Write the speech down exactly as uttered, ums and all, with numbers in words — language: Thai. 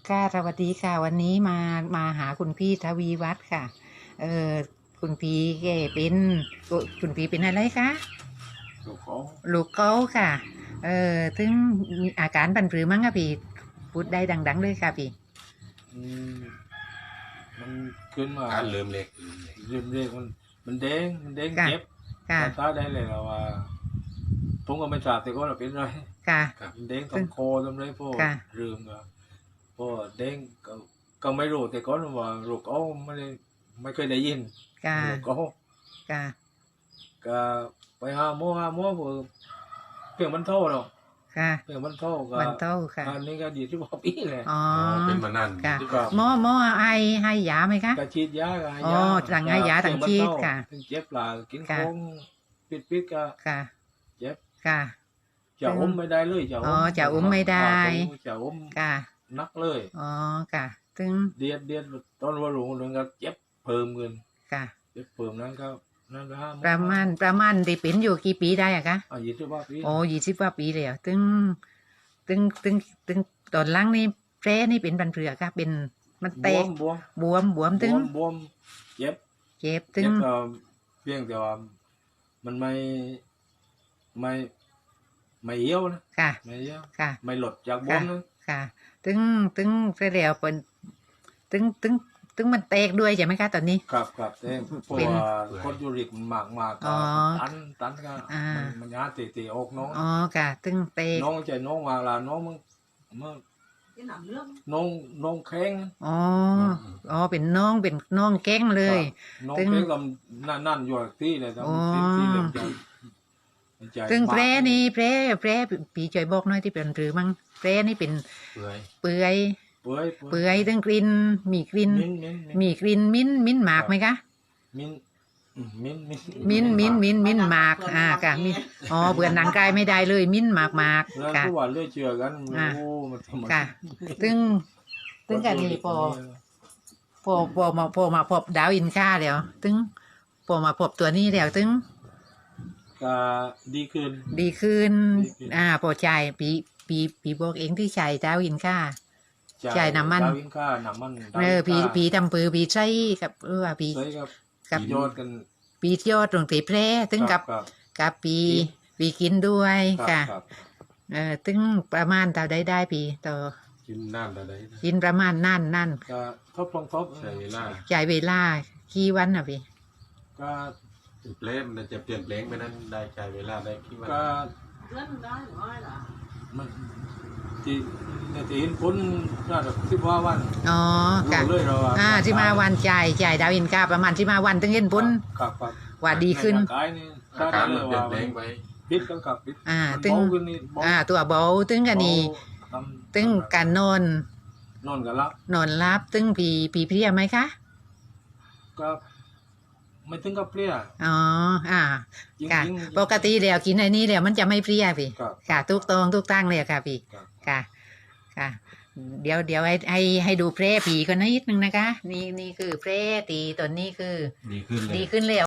ค่ะสวัสดีค่ะวันนี้มามาหาคุณพี่ทวีวัฒน์ค่ะเออคุณพี่แกเป็นคุณพี่เป็นอะไรคะลูกเขาลูกเขาค่ะเออถึงมีอาการบันปรือมั้งคะพี่พูดได้ดังๆเลยค่ะพี่อืมมันขึ้นมาการเริ่มเล็กเริ่มเล็กมันมันแดงมันแดงค่ะเจ็บค่ะตาได้เลยเราว่าผมก็ไม่ทราบแต่ก็เราเป็นไรค่ะมันแดงตรงคอตรงไรพวกค่ะเรื่องก็พวกแดงก็ก็ไม่รู้แต่ก็ว่าโรคเขาไม่ได้ไม่เคยได้ยินค่ะโรคเขาค่ะก็ไปหาหมอหาหมอเพื่อเพียงมันเท่าหรอกค่ะเพียงมันเท่าก็วันเต้าค่ะอันนี้ก็ดีที่ว่าปีเลยอ๋อเป็นมานานค่ะที่ว่าหมอหมอให้ให้ยาไหมคะกระฉีดยาก็ให้อ๋อยาสั่งให้ยาสั่งฉีดค่ะถึงเจ็บปลากินค่ะของปิดปิดๆก็ค่ะเจ็บค่ะจะอมไม่ได้เลยจะอ๋อจะอมไม่ได้จะอมค่ะนักเลยอ๋อค่ะถึงเดียดเดียดตอนว่าหลงหลงก็เจ็บเพิ่มเงินค่ะเจ็บเพิ่มนั้นก็นั่นนะประมาณประมาณได้เป็นอยู่กี่ปีได้อะคะอายุที่ว่าปีโอ้ยี่สิบกว่าปีแล้วตึงตึงตึงตึงตอนหล่างนี่แผลนี่เป็นบันเผือกค่ะเป็นมันบแตวกมบวมบวมบวมบตึงวมบวมเจ็บเจ็บตึเจ็งบก็เพียงแต่ว่ามันไม่ไม่ไม่เอี้ยวนะค่ะไม่เอี้ยวค่ะไม่หลดจากบวค่ะมนะค่ะตึงตึงเสร็จแล้วเป็นตึงตึงตึงมันแตกด้วยใช่ไหมคะตอนนี้ครับครับแต่เพราะเป็นว่าคอนยูริกมันมากมากๆอ๋ก็อตันตันก็อ่ามัมันมันยาตีตีออกน้องอ๋อค่ะตึงแตกน้องใจน้องวางลาน้องมึงมึงน้องน้องแข้งอ๋ออ๋อเป็นน้องเป็นน้องแก้งเลยน้องตึงแข้งลำนั่นนั่นอยู่ที่เลยอ๋อทำที่ที่เลยใจใจตึงมากแผลนี่แผลแผลปีช่วยบอกหน่อยที่เป็นหรือมั้งแผลนี่เป็นเปื่อยเปื่อยเปื่อยเปื่อยตึงกลิ่นมีกลิ่นมิ้นมิ้นมีกลิ่นมิ้นท์มิ้นท์หมากไหมคะมิ้นอืมมิ้นมิ้นมิ้นท์มิ้นท์มิ้นท์มิ้นท์หมากอ่าค่ะมิ้นท์อ๋อเบื่อหนังกายไม่ได้เลยมิ้นท์หมากหมากแล้วค่ะทุกวันเรื่อยเชื่อกันอ่าโอ้มันทำไมค่ะตึงตึงกันนี่พอพอพอมาพอมาพบดาวอินค่าแล้วตึงพอมาพบตัวนี้แล้วตึงก็ดีขึ้นดีขึ้นดีขึ้นอ่าพอใจปีปีปีบอกเองที่ใช้ดาวอินค่า จ่ายน้ำมันดาวินค่าน้ำมันเออปีดาวินค่าปีทำปือปีใช้กับเออว่าปีใช่ครับกับยอดกันปียอดตรงตีแพร่ตึงกับครับกับปีปีปีกินด้วยครับค่ะครับเออตึงประมาณเท่าได้ได้ปีต่อกินน้ำอะไรกินประมาณนั่นนั่นก็ทบลองทบใช้เวลาจ่ายเวลากี่วันอ่ะพี่ก็เปลี่ยนมันจะเปลี่ยนแปลงไปนั้นได้ใช้เวลาได้คิดว่าก็เลื่อนได้หรือไม่ล่ะมันที่ในที่เห็นผลน่าจะสิบว่าวันอ๋อค่ะรู้เลยเราว่าอ่าที่มาวันจ่ายจ่ายดาวอินกาประมาณที่มาวันตึงเห็นผลครับครับว่าดีขึ้นใร่างกายนี่อาได้การเลมันยเปลี่ยว่านแปลงไปพิษกันครับพิษอ่ามันตึงเบาขึ้นนี่เบาอ่าตัวเบาตึงกันนี่ทำตึงการนอนนอนกันแล้วนอนรับตึงปีปีเพลียไหมคะก็ไม่ถึงกับเปรี้ยอ๋ออ่าจริงค่ะๆปกติแล้วกินไอ้นี่แล้วมันจะไม่เพลียพี่ครับค่ะทุกตองทุกตั้งเลยค่ะพี่ครับค่ะ ค่ะ เดี๋ยวเดี๋ยวให้ให้ให้ดูแพร่ผีกันนิดนึงนะคะ นี่นี่คือแพร่ตีตอนนี้คือดีขึ้นเลยดีขึ้นแล้ว